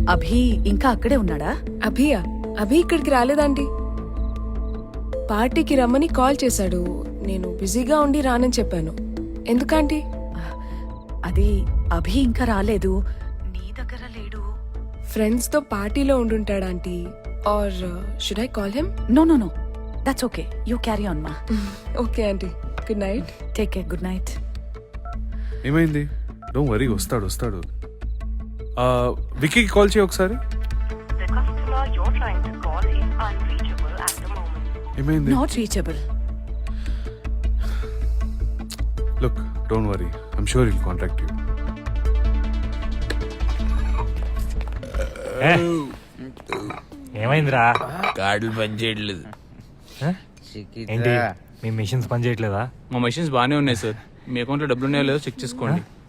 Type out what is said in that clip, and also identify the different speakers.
Speaker 1: అభి ఇంకా అక్కడే ఉన్నాడా?
Speaker 2: అభి ఇక్కడికి రాలేదండి. పార్టీకి రమ్మని కాల్ చేశాడు. నేను బిజీగా ఉండి రానని చెప్పాను. ఎందుకంటీ?
Speaker 1: అది అభి ఇంకా రాలేదు. నీ దగ్గర లేడు.
Speaker 2: ఫ్రెండ్స్ తో పార్టీలో ఉండుంటాడా aunty? Or should I call him?
Speaker 1: No no no, that's okay. You carry on మా.
Speaker 2: Okay aunty, good night.
Speaker 1: Take care, good night.
Speaker 3: ఏమైంది? డోంట్ వరీ, వస్తాడు. విక్కీకి కాల్ చేయి ఒకసారి.
Speaker 4: The customer you're trying to call is unreachable at the moment.
Speaker 3: ఏమైంది?
Speaker 1: Not reachable.
Speaker 3: Look, don't worry, I'm sure will contact you.
Speaker 5: ఏమైందిరా?
Speaker 6: కార్డులు పనిచేయట్లేదు.
Speaker 5: ఏంటి మీ మిషన్స్ పని చేయట్లేదా?
Speaker 7: మా మెషిన్స్ బాగానే ఉన్నాయి సార్. మీ అకౌంట్లో డబ్బులు ఉన్నాయో లేదో చెక్ చేసుకోండి.